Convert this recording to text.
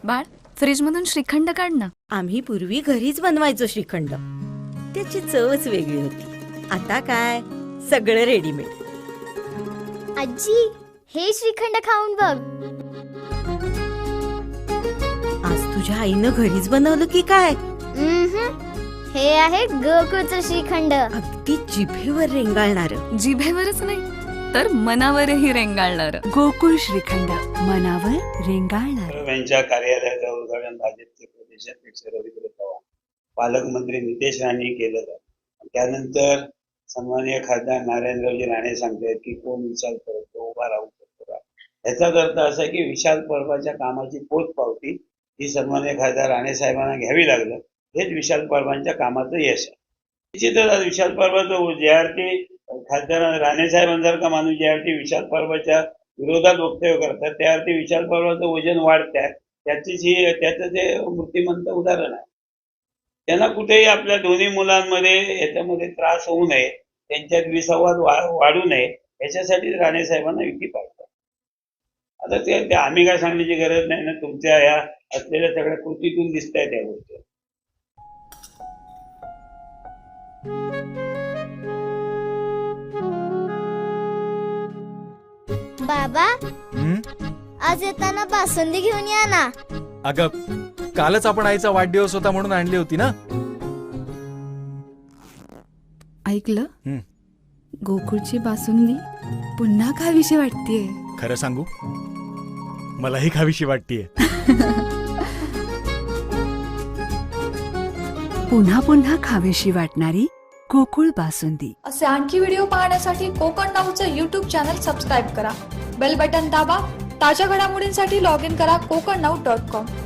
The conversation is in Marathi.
बाळ, फ्रीज मधून श्रीखंड काढ ना. आम्ही पूर्वी घरीच बनवायचो श्रीखंड. त्याची चवच वेगळी होती. आता काय सगळं रेडीमेड. आजी, हे श्रीखंड खाऊन बघ. आज तुझ्या आईनं घरीच बनवलं की काय? हे आहे गोकुळचं श्रीखंड. अगदी जिभेवर रेंगाळणार. जिभेवरच नाही तर मनावरही रेंगाळणार. गोकुळ श्रीखंड, मनावर रेंगाळणार. यांच्या कार्यालयाचं उद्घाटन भाजपचे प्रदेशाध्यक्ष रवींद्र चव्हाण, पालकमंत्री नितेश राणे केलं जातं. त्यानंतर सन्माननीय खासदार नारायणरावजी राणे सांगतायत की कोण विशाल परब तो उभा राहू शकतो का. याचाच अर्थ असा की विशाल परबाच्या कामाची पोचपावती ही सन्माननीय खासदार राणे साहेबांना घ्यावी लागलं. हेच विशाल परबांच्या कामाचं यश आहे. निश्चितच विशाल परबाचं ज्यावरती खासदार राणे साहेबांसारखा माणूस ज्यावरती विशाल परबाच्या विरोधात वक्तव्य करतात त्यावरती विशाल परबाचं वजन वाढत आहे. त्याचं ते मूर्तिमंत उदाहरण आहे. त्यांना कुठेही आपल्या दोन्ही मुलांमध्ये याच्यामध्ये त्रास होऊ नये, त्यांच्यात विसंवाद वाढू नये याच्यासाठी राणे साहेबांना युती पाहिजे. आता ते आम्ही काय सांगण्याची गरज नाही ना, तुमच्या या असलेल्या सगळ्या कृतीतून दिसत आहे त्या गोष्टी. बाबा, आज येताना बासुंदी घेऊन या ना. अगं, कालच आपण आईचा वाढदिवस होता म्हणून आणली होती ना. ऐकलं? गोकुळची बासुंदी पुन्हा खावीशी वाटतेय. खरं सांगू, मलाही खावीशी वाटतेय. पुन्हा पुन्हा खावीशी वाटणारी गोकुळ बासुंदी. असे आणखी व्हिडिओ पाहण्यासाठी कोकण नाऊचं YouTube चॅनल सबस्क्राईब करा. बेल बटन दाबा. ताज्या घडामोडींसाठी लॉग इन करा kokarnau.com.